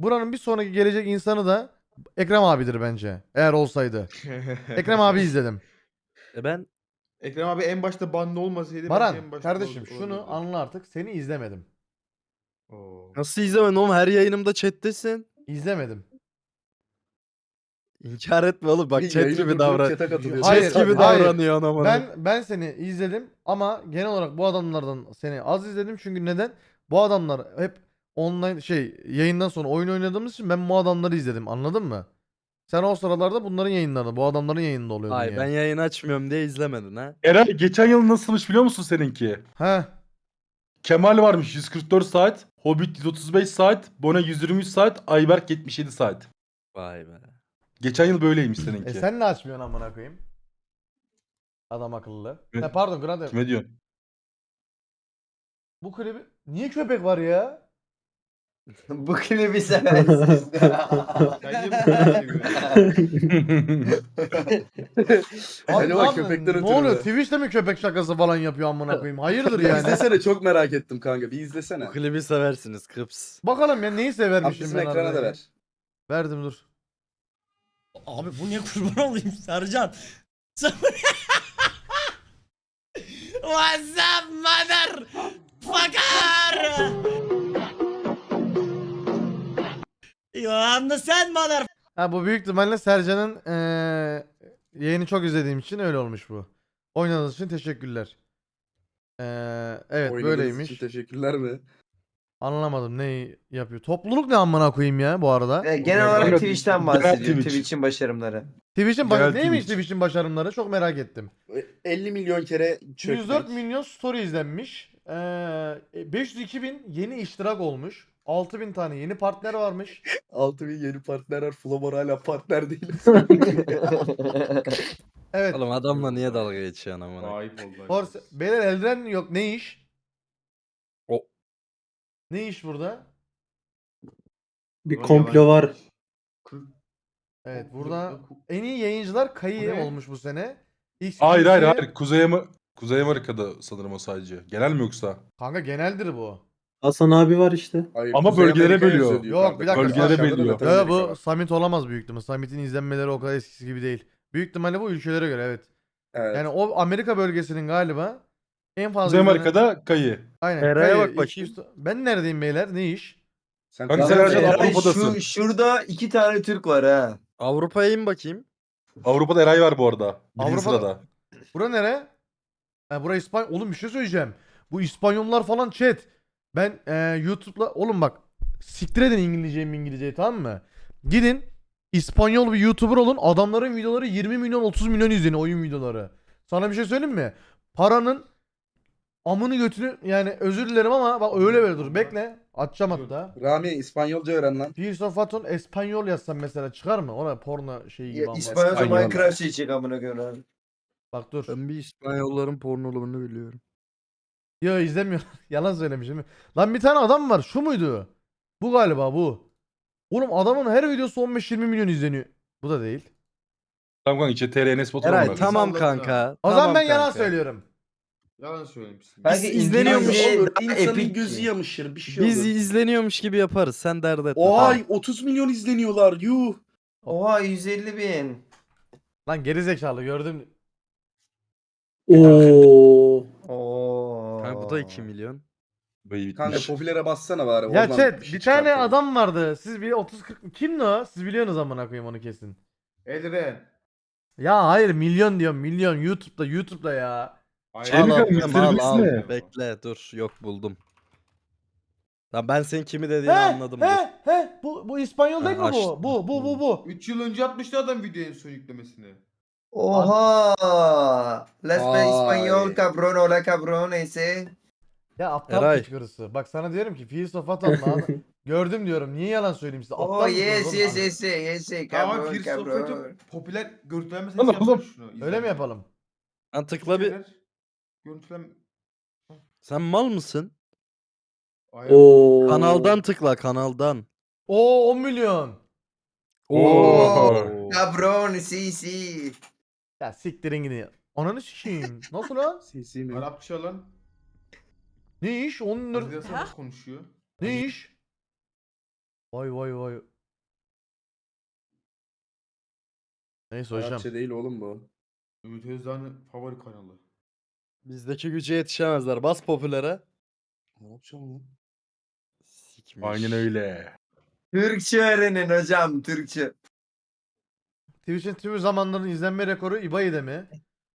Speaker 1: buranın bir sonraki gelecek insanı da Ekrem abidir bence. Eğer olsaydı. Ekrem abi izledim.
Speaker 8: E ben Ekrem abi en başta banda olmasaydı
Speaker 1: Baran
Speaker 8: belki en başta
Speaker 1: kardeşim
Speaker 8: ol-
Speaker 1: şunu
Speaker 8: olabilirdi.
Speaker 1: anla artık. Seni izlemedim.
Speaker 8: Oo.
Speaker 11: Nasıl izlemedin oğlum? Her yayınımda chat'tesin.
Speaker 1: İzlemedim.
Speaker 11: İnkar etme oğlum. Bak chat
Speaker 3: Yayını
Speaker 11: gibi
Speaker 3: durdurup
Speaker 11: davran.
Speaker 3: chat'e katılıyor.
Speaker 1: Hayır,
Speaker 11: Chat gibi
Speaker 1: hayır.
Speaker 11: davranıyor anam.
Speaker 1: Ben ben seni izledim ama genel olarak bu adamlardan seni az izledim çünkü neden? Bu adamlar hep online şey yayından sonra oyun oynadığımız için ben bu adamları izledim. Anladın mı? Sen o sıralarda bunların yayınlarında, bu adamların yayınında oluyordun
Speaker 11: Ay
Speaker 1: yani.
Speaker 11: ben yayın açmıyorum diye izlemedin ha.
Speaker 4: Eray geçen yıl nasılmış biliyor musun seninki?
Speaker 1: He.
Speaker 4: Kemal varmış yüz kırk dört saat, Hobbit yüz otuz beş saat, Bona yüz yirmi üç saat, Ayberk yetmiş yedi saat.
Speaker 11: Vay be.
Speaker 4: Geçen yıl böyleymiş seninki.
Speaker 1: E sen ne açmıyorsun amına koyayım? Adam akıllı.
Speaker 4: Ne-
Speaker 1: Ha, pardon Grande.
Speaker 4: Kime diyorsun?
Speaker 1: Bu klibi niye köpek var ya?
Speaker 9: Bu klibi seversiniz.
Speaker 8: Bence bu kadar seviyorum.
Speaker 1: Abi,
Speaker 3: Acaba
Speaker 1: abi,
Speaker 3: köpekten
Speaker 1: ne
Speaker 3: ötürü
Speaker 1: oluyor?
Speaker 3: mü?
Speaker 1: Twitch'te mi köpek şakası falan yapıyor amına koyayım? Hayırdır yani?
Speaker 3: İzlesene, çok merak ettim kanka. Bir izlesene.
Speaker 11: Bu klibi seversiniz kıps.
Speaker 1: Bakalım ya neyi
Speaker 3: Abi
Speaker 1: severmişim
Speaker 3: bizim
Speaker 1: ben
Speaker 3: ekrana
Speaker 1: harbiden
Speaker 3: da
Speaker 1: ya.
Speaker 3: ver.
Speaker 1: Verdim dur.
Speaker 6: Abi bu niye kurban olayım Sercan? What's up mother fucker? You understand mother?
Speaker 1: Ha bu büyük ihtimalle Sercan'ın eee yayını çok izlediğim için öyle olmuş bu. Oynadığınız için teşekkürler. Eee evet
Speaker 3: Oynadığınız
Speaker 1: böyleymiş.
Speaker 3: için teşekkürler mi?
Speaker 1: Anlamadım neyi yapıyor. Topluluk ne amına koyayım ya bu arada?
Speaker 9: Evet, genel olarak
Speaker 4: Genel-
Speaker 9: Twitch'ten
Speaker 4: genel
Speaker 9: bahsediyor.
Speaker 4: Twitch.
Speaker 9: Twitch'in başarımları.
Speaker 1: Twitch'in
Speaker 4: Genel
Speaker 1: baş... neymiş
Speaker 4: Twitch.
Speaker 1: Twitch'in başarımları çok merak ettim.
Speaker 3: elli milyon kere çökmek.
Speaker 1: yüz dört milyon story izlenmiş. Eee beş yüz iki bin yeni iştirak olmuş. altı bin tane yeni partner varmış.
Speaker 3: altı bin yeni partner var. Flomor hala partner değil.
Speaker 1: Evet.
Speaker 11: Oğlum adamla niye dalga geçiyorsun amına?
Speaker 8: Ayıp oldu.
Speaker 1: Force... Beyler eldiven yok ne iş?
Speaker 11: O-
Speaker 1: Ne iş burada?
Speaker 10: Bir komplo var.
Speaker 1: Evet burada en iyi yayıncılar Kayı
Speaker 8: Bu ne?
Speaker 1: olmuş bu sene. X
Speaker 4: Hayır hayır
Speaker 1: Q'si-
Speaker 4: hayır. Kuzey, Ama- Kuzey Amerika'da sanırım o sadece. Genel mi yoksa?
Speaker 1: Kanka geneldir bu.
Speaker 10: Hasan abi var işte.
Speaker 3: Hayır,
Speaker 4: Ama
Speaker 3: Kuzey
Speaker 4: bölgelere
Speaker 3: Amerika
Speaker 4: bölüyor.
Speaker 3: yazıyor diyor
Speaker 1: Yok,
Speaker 3: kanka.
Speaker 1: bir dakika,
Speaker 3: Aşağıda
Speaker 4: bölgelere
Speaker 3: da
Speaker 4: bölüyor.
Speaker 3: Latin
Speaker 1: Ya
Speaker 3: Amerika
Speaker 1: bu
Speaker 3: var.
Speaker 1: Summit olamaz büyük ihtimalle. Summit'in izlenmeleri o kadar eskisi gibi değil. Büyük ihtimalle bu ülkelere göre evet.
Speaker 3: Evet.
Speaker 1: Yani o Amerika bölgesinin galiba en fazla
Speaker 4: Kuzey
Speaker 1: izlenen-
Speaker 4: Amerika'da kayı.
Speaker 1: Aynen.
Speaker 11: Eray'a
Speaker 1: Kayı,
Speaker 11: bak
Speaker 1: iki yüz Ben neredeyim beyler? Ne iş?
Speaker 3: Sen
Speaker 4: Kanka
Speaker 3: Kuzey
Speaker 4: sen
Speaker 3: Amerika'da-
Speaker 4: Ercan
Speaker 9: Eray,
Speaker 4: Avrupa'dasın.
Speaker 9: şu, şurada iki tane Türk var ha.
Speaker 11: Avrupa'ya in bakayım.
Speaker 4: Avrupa'da Eray var bu arada. Birinci
Speaker 1: Avrupa'da-
Speaker 4: sırada.
Speaker 1: Bura nere? Ha bura İspanya. Oğlum bir şey söyleyeceğim. Bu İspanyollar falan chat. Ben e, YouTube'la oğlum bak siktir edin İngilizceyi İngilizceyi tamam mı? Gidin İspanyol bir YouTuber olun. Adamların videoları yirmi milyon otuz milyon izleniyor oyun videoları. Sana bir şey söyleyeyim mi? Paranın amını götünü yani özür dilerim ama bak öyle böyle dur. Bekle. Açacağım hatta.
Speaker 3: Rami İspanyolca öğren lan.
Speaker 1: Pierce of Aton Espanyol yazsam mesela çıkar mı? Ona porno şeyi gibi
Speaker 9: Ya,
Speaker 1: ama.
Speaker 9: İspanyolca
Speaker 3: İspanyol.
Speaker 9: Minecraft çekecek amına koyayım abi.
Speaker 1: Bak dur.
Speaker 11: Ben bir İspanyolların pornolarını biliyorum.
Speaker 1: Yo izlemiyorum. Yalan söylemişim. Lan bir tane adam var. Şu muydu? Bu galiba bu. Oğlum adamın her videosu on beş yirmi milyon izleniyor. Bu da değil.
Speaker 4: Tamam kanka içe T R N Spot'a
Speaker 11: Eray
Speaker 4: bak.
Speaker 11: tamam
Speaker 8: Salladın
Speaker 11: kanka.
Speaker 1: O zaman
Speaker 11: tamam
Speaker 1: ben yalan
Speaker 11: kanka.
Speaker 1: söylüyorum.
Speaker 8: Yalan söylemişsin.
Speaker 9: Belki
Speaker 11: Biz izleniyormuş.
Speaker 9: İngilizce
Speaker 3: Olur,
Speaker 9: daha
Speaker 3: insanın
Speaker 9: epik
Speaker 3: gözü
Speaker 9: ki.
Speaker 3: yamışır bir şey
Speaker 11: Biz
Speaker 3: olur.
Speaker 11: izleniyormuş gibi yaparız. Sen dert etme.
Speaker 3: Oha
Speaker 11: Tamam.
Speaker 3: otuz milyon izleniyorlar yuh.
Speaker 9: Oha yüz elli bin.
Speaker 1: Lan geri zekalı gördüm.
Speaker 10: Oo.
Speaker 9: Oo.
Speaker 11: Kanka bu da iki milyon.
Speaker 4: Bayı
Speaker 3: Kanka
Speaker 4: bitmiş.
Speaker 3: popülere bassana bari.
Speaker 1: Ya
Speaker 3: oradan
Speaker 1: chat
Speaker 3: şey
Speaker 1: bir tane
Speaker 3: çıkartalım.
Speaker 1: adam vardı. Siz bir otuz kırk kimdi o? Siz biliyorsunuz amına koyayım onu kesin.
Speaker 8: Elren.
Speaker 1: Ya hayır milyon diyorum milyon YouTube'da YouTube'da ya.
Speaker 4: Şey mi
Speaker 11: Al
Speaker 4: kanka,
Speaker 11: atıyorum,
Speaker 4: mister
Speaker 11: al
Speaker 4: Beast
Speaker 11: al.
Speaker 4: mi?
Speaker 11: Bekle dur yok buldum. Lan ben senin kimi dediğini
Speaker 1: He
Speaker 11: anladım. dur.
Speaker 1: he he bu bu İspanyol değil
Speaker 11: Ha,
Speaker 1: mi bu?
Speaker 11: açtım.
Speaker 1: Bu bu bu bu.
Speaker 8: üç yıl önce yapmıştı adam video en son yüklemesini.
Speaker 9: Oha. Let's play
Speaker 3: Vay.
Speaker 9: İspanyol cabrón hola cabrón ese.
Speaker 1: Ya aptal
Speaker 11: Eray.
Speaker 1: kışkırısı. Bak sana diyorum ki Feast of Atom lan. Gördüm diyorum. Niye yalan söyleyeyim size? Aptal
Speaker 9: Oh
Speaker 1: mısınız
Speaker 9: yes
Speaker 1: oğlum?
Speaker 9: yes yes yes yes
Speaker 8: Tamam
Speaker 9: cabrón
Speaker 8: Fear
Speaker 9: cabrón.
Speaker 8: Software'ın popüler görüntüleme
Speaker 4: Lan
Speaker 8: sesi
Speaker 4: oğlum.
Speaker 8: yapmış şunu.
Speaker 1: Öyle
Speaker 8: izledim.
Speaker 1: mi yapalım?
Speaker 11: Lan tıkla bir.
Speaker 8: Görüntüleme.
Speaker 11: Sen mal mısın?
Speaker 8: Aynen.
Speaker 10: Oo.
Speaker 11: Kanaldan tıkla kanaldan.
Speaker 1: Oo on milyon.
Speaker 4: Oo.
Speaker 9: Cabrón sí sí.
Speaker 1: Ya siktirin gidin. Ananı sikeyim. Nasıl lan?
Speaker 3: Sesi mi?
Speaker 8: Arapça lan.
Speaker 1: Ne iş? on lira.
Speaker 8: Arkadaşlar nasıl konuşuyor?
Speaker 1: Ne iş? Vay vay vay. Neyse hocam.
Speaker 3: Arapça değil oğlum bu.
Speaker 8: Ümit Özdağ'ın favori kanalı.
Speaker 11: Bizdeki güce yetişemezler. Bas popülere.
Speaker 3: Arapça mı lan?
Speaker 11: Sikmiş.
Speaker 4: Aynen öyle.
Speaker 9: Türkçe öğrenin hocam Türkçe.
Speaker 1: Twitch'in tüm zamanların izlenme rekoru İbayi'de mi?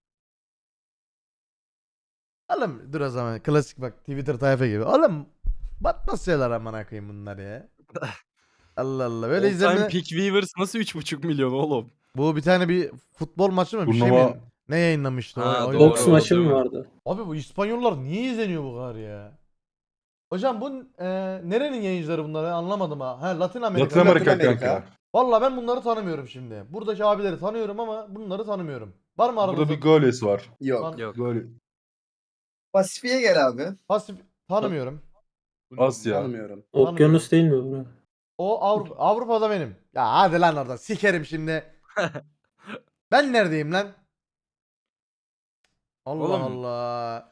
Speaker 1: Oğlum dur o zaman klasik bak Twitter tayfa gibi. Oğlum batmaz şeyler amına koyayım bunlar ya. Allah Allah böyle
Speaker 11: All time
Speaker 1: izlenme.
Speaker 11: peak viewers nasıl üç buçuk milyon oğlum?
Speaker 1: Bu bir tane bir futbol maçı mı bir şey
Speaker 4: Turnuva-
Speaker 1: mi? Ne yayınlamıştı?
Speaker 11: Ha,
Speaker 1: o, o-
Speaker 11: doğru.
Speaker 10: Boks
Speaker 1: o-
Speaker 10: maçı mı
Speaker 11: değil mi?
Speaker 10: vardı?
Speaker 1: Abi bu İspanyollar niye izleniyor bu kadar ya? Hocam bu e, nerenin yayıncıları bunları anlamadım ha. Ha Latin Amerika.
Speaker 4: Latin Amerika
Speaker 3: Latin Amerika.
Speaker 4: kanka.
Speaker 1: Vallahi ben bunları tanımıyorum şimdi. Buradaki abileri tanıyorum ama bunları tanımıyorum. Var mı aranızda?
Speaker 4: Burada bir Goles var.
Speaker 3: Yok.
Speaker 1: Tan-
Speaker 11: Yok.
Speaker 4: Gol.
Speaker 9: Pasifiye gel abi.
Speaker 1: Pasif tanımıyorum.
Speaker 4: Asya.
Speaker 3: Tanımıyorum.
Speaker 10: Okyanus değil mi bura?
Speaker 1: O Avrupa, Avrupa'da benim. Ya hadi lan orada sikerim şimdi. Ben neredeyim lan? Allah
Speaker 11: Oğlum.
Speaker 1: Allah.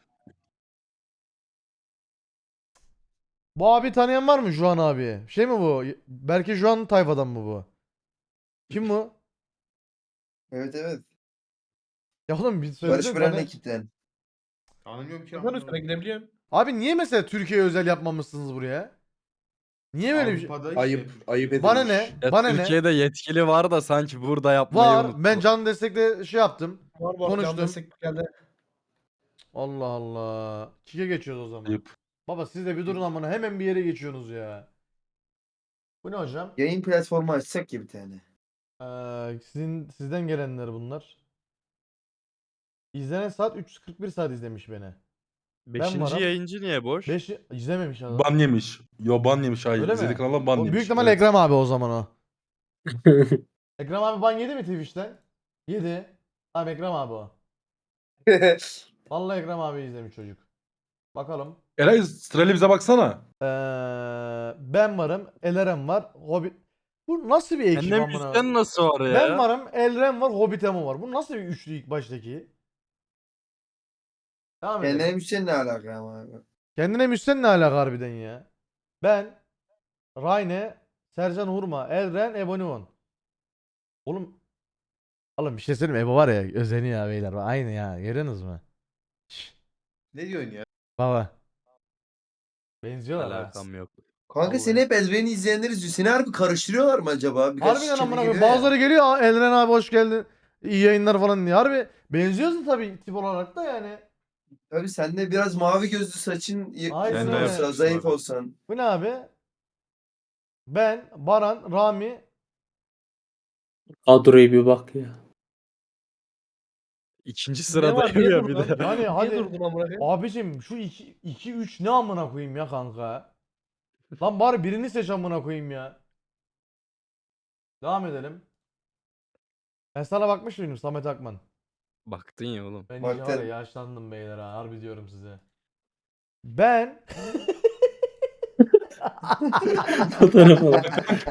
Speaker 1: Bu abi tanıyan var mı Juan abi? Şey mi bu? Belki Juan tayfadan mı bu? Kim bu?
Speaker 9: Evet evet.
Speaker 1: Ya oğlum bir
Speaker 9: Barış
Speaker 1: söylesene.
Speaker 9: Bırak'ın
Speaker 1: tanı-
Speaker 9: ekipten.
Speaker 8: Tanımıyorum ki.
Speaker 5: Ben
Speaker 8: amına
Speaker 5: üstüne
Speaker 8: koyayım.
Speaker 5: gidebiliyorum.
Speaker 1: Abi niye mesela Türkiye'ye özel yapmamışsınız buraya? Niye böyle bir şey?
Speaker 8: Avrupa'da işte
Speaker 3: Ayıp,
Speaker 8: Türk-
Speaker 3: ayıp edilmiş.
Speaker 1: Bana ne?
Speaker 11: Ya
Speaker 1: Bana ne?
Speaker 11: Türkiye'de yetkili var da sanki burada yapmayı
Speaker 1: Var.
Speaker 11: unuttu.
Speaker 1: Ben can destekle şey yaptım.
Speaker 5: Var var.
Speaker 1: Konuştum.
Speaker 5: Can destek geldi.
Speaker 1: Allah Allah. Kike geçiyoruz o zaman.
Speaker 4: Ayıp.
Speaker 1: Baba siz de bir durun amına hemen bir yere geçiyorsunuz ya. Bu ne hocam?
Speaker 9: Yayın platformu açsak ya bir tane.
Speaker 1: Ee, sizin sizden gelenler bunlar. İzlenen saat üç yüz kırk bir saat izlemiş beni.
Speaker 11: Beşinci
Speaker 1: varım.
Speaker 11: yayıncı niye boş?
Speaker 1: beş izlememiş adam.
Speaker 4: Ban yemiş. Yo ban yemiş hayır.
Speaker 1: Öyle mi?
Speaker 4: İzlediği kanaldan ban
Speaker 1: O
Speaker 4: yemiş.
Speaker 1: büyük ihtimalle
Speaker 4: Evet.
Speaker 1: Ekrem abi o zaman o. Ekrem abi ban yedi mi Twitch'ten? Yedi. Tamam Ekrem abi o. Vallahi Ekrem abi izlemiş çocuk. Bakalım.
Speaker 4: Eray sırayla bize baksana.
Speaker 1: Ee, ben varım. Elerem var. Hobbit. Bu nasıl bir ekip
Speaker 11: Annem
Speaker 1: amına?
Speaker 11: yüzden nasıl var ya?
Speaker 1: Ben varım. Elrem var. Hobbitemo var. Bu nasıl bir üçlü ilk baştaki? Devam edelim.
Speaker 9: Kendine müşteri ne alaka ama abi.
Speaker 1: Kendine müsten ne alaka harbiden ya? Ben, Rayne, Sercan Hurma, Elren, Ebonimon. Oğlum Oğlum bir şey söyleyeyim mi? Ebo var ya özeniyor ya beyler. Aynı ya. Görüyorsunuz mu? Şşş,
Speaker 8: Ne diyorsun ya?
Speaker 1: baba. Benziyorlar ha.
Speaker 11: Alakam yok.
Speaker 9: Kanka
Speaker 1: Vallahi.
Speaker 9: seni hep Elren'i izleyenler izliyor. Seni harbi karıştırıyorlar mı acaba? Birkaç
Speaker 1: Harbiden
Speaker 9: kere
Speaker 1: amına koyayım.
Speaker 9: geliyor ya.
Speaker 1: Bazıları geliyor. "Aa, Elren abi hoş geldin. İyi yayınlar falan diye. Harbi benziyorsun tabii tip olarak da yani.
Speaker 9: Tabii sen de biraz mavi gözlü saçın y-
Speaker 1: Aynen
Speaker 9: uzun
Speaker 1: öyle.
Speaker 9: olsa, zayıf
Speaker 11: Abi.
Speaker 9: olsan.
Speaker 1: Bu ne abi? Ben, Baran, Rami.
Speaker 10: Kadroya bir bak ya.
Speaker 11: İkinci
Speaker 5: Ne
Speaker 11: sırada
Speaker 5: var? Niye
Speaker 11: ya bir
Speaker 5: durdun?
Speaker 11: de.
Speaker 1: Yani
Speaker 5: Niye
Speaker 1: hadi.
Speaker 5: durdun amına koyayım?
Speaker 1: Abicim şu iki üç ne amına koyayım ya kanka? Lan bari birini seç amına koyayım ya. Devam edelim. Ben sana bakmış mıydım Samet Akman?
Speaker 11: Baktın ya oğlum.
Speaker 1: Ben
Speaker 9: Bak
Speaker 1: iyice var ya
Speaker 9: sen-
Speaker 1: yaşlandım beyler ha harbi diyorum size. Ben
Speaker 10: Fotoğrafa bak.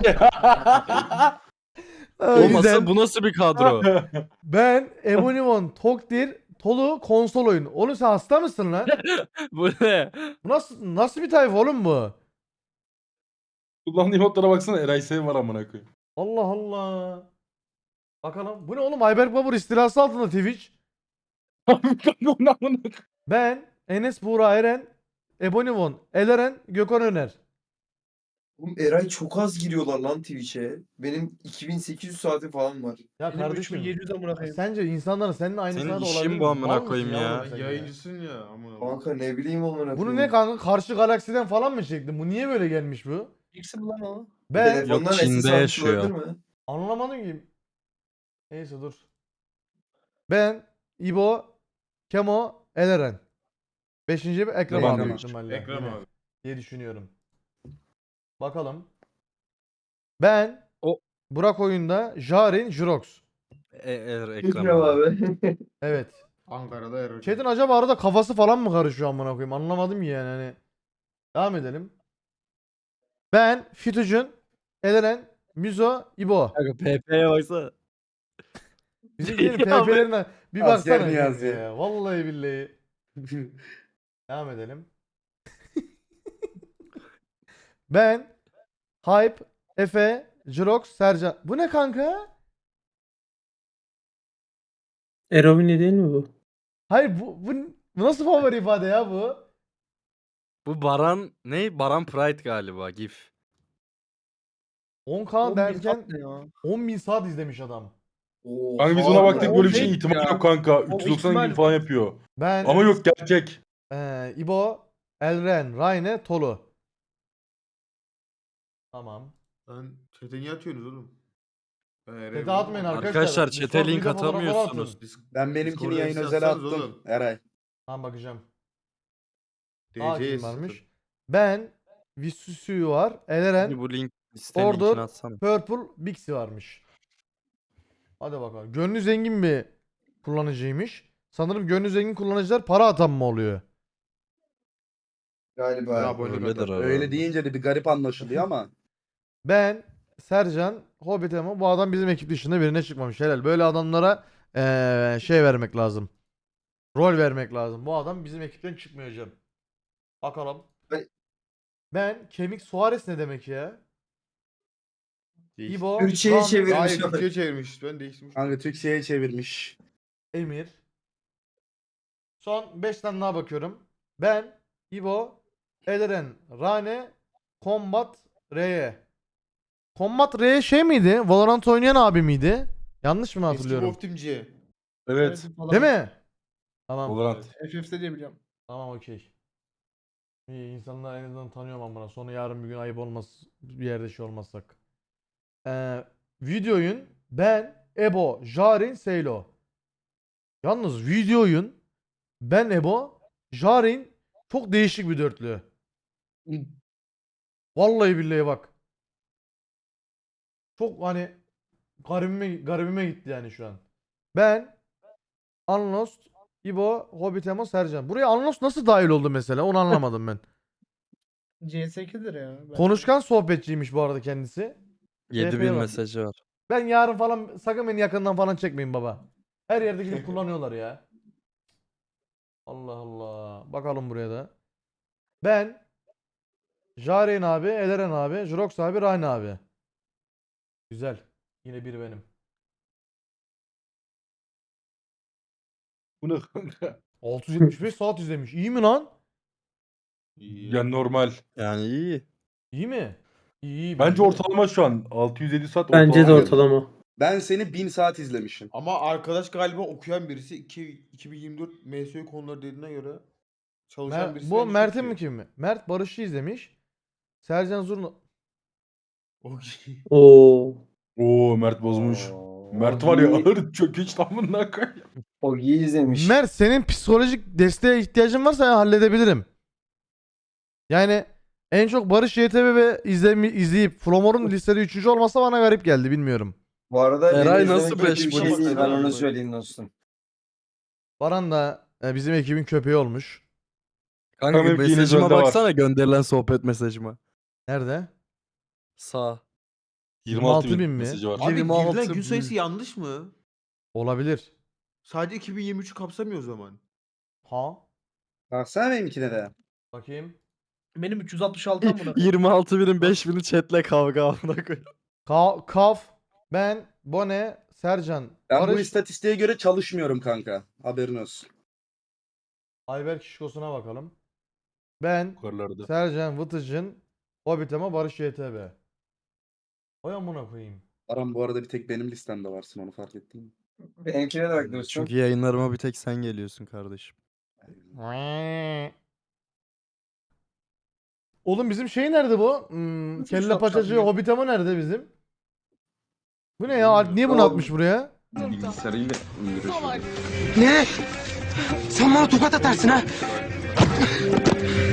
Speaker 1: Aa,
Speaker 11: Oğlum
Speaker 1: güzel.
Speaker 11: asıl bu nasıl bir kadro?
Speaker 1: Ben Ebonimon Tokdir Tolu konsol oyun. Oğlum sen hasta mısın lan?
Speaker 11: Bu ne?
Speaker 1: Bu nasıl nasıl bir tayfa oğlum bu?
Speaker 4: Kullandığı modlara baksana Eray Sev var amına koyayım.
Speaker 1: Allah Allah. Bakalım. Bu ne oğlum? Ayberk Babur istilası altında Twitch.
Speaker 4: Onu amına koyayım.
Speaker 1: Ben Enes Buğra Eren, Ebonimon, Eleren, Gökhan Öner.
Speaker 9: Oğlum Eray çok az giriyorlar lan Twitch'e. Benim iki bin sekiz yüz saati falan var.
Speaker 1: Ya
Speaker 5: Benim üç bin
Speaker 1: kardeşim.
Speaker 5: yedi yüz amına koyayım.
Speaker 1: Sence insanların seninle aynı
Speaker 11: Senin
Speaker 1: sırada
Speaker 11: işin
Speaker 1: olabilir
Speaker 11: bu
Speaker 1: mi?
Speaker 11: amına
Speaker 1: Mal mısın
Speaker 11: koyayım ya.
Speaker 1: oğlum sen
Speaker 8: Yayıncısın ya. Amına koyayım.
Speaker 9: Kanka ne bileyim amına
Speaker 1: Bunu ne kanka? Karşı galaksiden falan mı çektin? Bu niye böyle gelmiş bu?
Speaker 5: İkisi mi lan o?
Speaker 1: Ben
Speaker 9: Telefondan
Speaker 11: Yok, Çin'de
Speaker 9: S S almış
Speaker 11: yaşıyor.
Speaker 9: olabilir mi?
Speaker 1: anlamadım ki. Neyse dur. Ben, İbo, Kemo, Eleren. Beşinci bir Ekrem
Speaker 4: Ben
Speaker 1: abi
Speaker 4: de
Speaker 1: büyük
Speaker 4: var.
Speaker 1: ihtimalle.
Speaker 8: Ekrem
Speaker 1: Yine
Speaker 8: abi.
Speaker 1: diye düşünüyorum. Bakalım. Ben,
Speaker 11: O-
Speaker 1: Burak oyunda, Jarin, Jurox.
Speaker 11: E, er, Ekrem
Speaker 9: Ekrem
Speaker 11: abi.
Speaker 9: abi.
Speaker 1: Evet.
Speaker 8: Ankara'da Erol.
Speaker 1: Chat'in acaba arada kafası falan mı karışıyor amına koyayım? Anlamadım ki yani hani. Devam edelim. Ben, Fütücün, Eleren, Müzo, İbo.
Speaker 11: Kanka P P'ye baksana.
Speaker 1: Bizimkilerin
Speaker 11: Ya
Speaker 1: P P'lerine bir
Speaker 3: Asker
Speaker 1: baksana.
Speaker 3: Niyazi.
Speaker 1: kanka ya. Vallahi billahi. Devam edelim. Ben, Hype, Efe, Jirox, Sercan. Bu ne kanka?
Speaker 10: Erovini değil mi bu?
Speaker 1: Hayır bu, bu, bu nasıl favori ifade ya bu?
Speaker 11: Bu Baran ne? Baran Pride galiba GIF.
Speaker 1: on K
Speaker 5: on bin
Speaker 1: derken
Speaker 5: saat ne ya?
Speaker 1: on bin saat izlemiş adam.
Speaker 4: Kanka biz ona
Speaker 3: Oha.
Speaker 4: baktık böyle bir şey
Speaker 5: fake
Speaker 4: ihtimal
Speaker 5: ya.
Speaker 4: yok kanka.
Speaker 5: O
Speaker 4: üç yüz doksan
Speaker 5: ihtimal-
Speaker 4: gibi falan yapıyor.
Speaker 1: Ben
Speaker 4: Ama yok gerçek.
Speaker 1: Ee, İbo, Elren, Rayne, Tolu. Tamam.
Speaker 8: Lan chat'e niye atıyorsunuz oğlum? Ben Eray'ı
Speaker 1: Chat'e atmayın
Speaker 8: bulamam.
Speaker 1: arkadaşlar.
Speaker 11: Arkadaşlar
Speaker 1: Discord
Speaker 11: chat'e link
Speaker 1: video fotoğrafları
Speaker 11: atamıyorsunuz.
Speaker 1: atın.
Speaker 8: Dis-
Speaker 3: Ben benimkini
Speaker 8: Discord'a
Speaker 3: yayın
Speaker 8: mesaj
Speaker 3: özel
Speaker 8: atsanız
Speaker 3: attım.
Speaker 8: oğlum.
Speaker 3: Eray.
Speaker 1: Tamam bakacağım.
Speaker 8: D
Speaker 1: Aa
Speaker 8: C
Speaker 1: kim
Speaker 8: sıfır.
Speaker 1: varmış? Ben, Visusuyu var, Eleren,
Speaker 11: Bu link listenin
Speaker 1: Order,
Speaker 11: linkini atsana.
Speaker 1: Purple, Bixi varmış. Hadi bakalım. Gönlü zengin bir kullanıcıymış. Sanırım gönlü zengin kullanıcılar para atan mı oluyor?
Speaker 9: Galiba.
Speaker 8: Ya abonelik
Speaker 11: Öyledir
Speaker 8: atar.
Speaker 11: herhalde.
Speaker 3: Öyle deyince de bir garip anlaşılıyor ama.
Speaker 1: Ben, Sercan, Hobbit ama bu adam bizim ekip dışında birine çıkmamış. Helal. Böyle adamlara eee, şey vermek lazım. Rol vermek lazım. Bu adam bizim ekipten çıkmıyor hocam. Bakalım.
Speaker 9: Ben-
Speaker 1: Ben kemik Suarez ne demek ya?
Speaker 8: Değiş-
Speaker 1: İbo,
Speaker 9: Türkçe'ye
Speaker 1: Ram,
Speaker 9: çevirmiş.
Speaker 8: Hayır Türkçe'ye çevirmiş. Ben değiştirmiş.
Speaker 3: Kanka Türkçe'ye çevirmiş.
Speaker 1: Emir. Son beş tane daha bakıyorum. Ben, İbo, Eleren, Rane, Combat, R'ye. Combat R şey miydi? Valorant oynayan abi miydi? Yanlış mı
Speaker 8: Eski
Speaker 1: hatırlıyorum?
Speaker 8: Wolf Team G.
Speaker 4: Evet.
Speaker 5: falan.
Speaker 1: Değil mi? Tamam.
Speaker 4: Valorant.
Speaker 5: F F'de diye biliyorum.
Speaker 1: Tamam okey. İyi insanlar en azından tanıyorum ben buna. Sonra yarın bir gün ayıp olmaz. Bir yerde şey olmazsak. Ee, videoyun ben, Ebo, Jarin, Seylo. Yalnız videoyun ben, Ebo, Jarin çok değişik bir dörtlü. Vallahi billahi bak. Çok hani garibime, garibime gitti yani şu an. Ben, Unlost, İbo, Hobbit Emo, Sercan. Buraya Unlost nasıl dahil oldu mesela? Onu anlamadım ben.
Speaker 5: C S iki'dir ya. bence.
Speaker 1: Konuşkan sohbetçiymiş bu arada kendisi.
Speaker 11: yedi
Speaker 1: T P'ye
Speaker 11: bin
Speaker 1: bak.
Speaker 11: mesajı var.
Speaker 1: Ben yarın falan sakın beni yakından falan çekmeyin baba. Her yerde gidip kullanıyorlar ya. Allah Allah. Bakalım buraya da. Ben, Jaren abi, Eleren abi, Jrox abi, Rayne abi. Güzel. Yine biri benim.
Speaker 4: Bu ne kanka?
Speaker 1: altı yüz yetmiş beş saat izlemiş. İyi mi lan?
Speaker 8: İyi.
Speaker 4: Yani normal.
Speaker 11: Yani iyi.
Speaker 1: İyi mi? İyi. iyi
Speaker 4: Bence
Speaker 1: de.
Speaker 4: ortalama şu an. altı yüz yedi saat
Speaker 10: Bence de
Speaker 4: ortalama.
Speaker 10: ortalama.
Speaker 3: Ben seni bin saat izlemişim.
Speaker 8: Ama arkadaş galiba okuyan birisi. iki, iki bin yirmi dört M S Ü konuları dediğine göre çalışan
Speaker 1: Mer-
Speaker 8: birisi.
Speaker 1: bu
Speaker 8: bence çok
Speaker 1: Mert'in
Speaker 8: iyi.
Speaker 1: mi kim mi? Mert Barış'ı izlemiş. Sercan Zurna.
Speaker 8: Okey.
Speaker 10: Oo.
Speaker 4: Oo Mert bozmuş. Mert var ya ağır çökeç tamamına koyuyor.
Speaker 9: O iyi izlemiş.
Speaker 1: Mert senin psikolojik desteğe ihtiyacın varsa ben halledebilirim. Yani en çok Barış Y T B ve izlemi, izleyip Flomor'un listede üçüncü olmasa bana garip geldi bilmiyorum.
Speaker 9: Bu arada
Speaker 11: Eray
Speaker 9: beni
Speaker 11: nasıl
Speaker 9: izlemek kötü
Speaker 11: beş
Speaker 9: bir şey
Speaker 11: bulmuş
Speaker 9: değil. Ben
Speaker 8: ya?
Speaker 9: onu söyleyeyim dostum.
Speaker 1: Baran da e, bizim ekibin köpeği olmuş.
Speaker 11: Kanka
Speaker 4: Tabii ki yine
Speaker 11: mesajıma
Speaker 4: Zölde var.
Speaker 11: baksana, gönderilen sohbet mesajıma.
Speaker 1: Nerede?
Speaker 11: Sağ.
Speaker 4: yirmi altı
Speaker 1: bin
Speaker 4: bin
Speaker 1: mi?
Speaker 4: mesajı var.
Speaker 8: Abi
Speaker 11: yirmi altı
Speaker 8: girilen gün
Speaker 11: bin.
Speaker 8: sayısı yanlış mı?
Speaker 1: Olabilir.
Speaker 8: Sadece iki bin yirmi üçü kapsamıyor o zaman.
Speaker 1: Ha?
Speaker 3: Baksana benimkine de.
Speaker 1: Bakayım.
Speaker 5: Benim üç yüz altmış altıdan buna.
Speaker 11: yirmi altı binin beş bini chatle kavga amına koyayım.
Speaker 1: Ka Kaf, ben, Bone, Sercan,
Speaker 3: Ben bu
Speaker 1: Barış,
Speaker 3: istatistiğe göre çalışmıyorum kanka. Haberin olsun.
Speaker 1: Ayberk Şişkosu'na bakalım. Ben,
Speaker 4: Yukarılarda.
Speaker 1: Sercan, Vıtıcın, Hobbit ama Barış Y T B. Oy amına koyayım.
Speaker 3: Aram bu arada bir tek benim listemde varsın, onu fark ettin mi?
Speaker 9: Benimkine de bak dostum.
Speaker 11: Çünkü yayınlarıma bir tek sen geliyorsun kardeşim.
Speaker 1: Oğlum bizim şey nerede bu? Hmm,
Speaker 5: Nasıl
Speaker 1: kelle
Speaker 5: şap
Speaker 1: paçacı
Speaker 5: şap ya?
Speaker 1: Hobbit ama nerede bizim? Bu ne ya? Alp niye bunu
Speaker 9: Oğlum.
Speaker 1: atmış buraya?
Speaker 9: Bilgisayarıyla
Speaker 2: Salak.
Speaker 6: Ne? Sen bana tokat atarsın ha?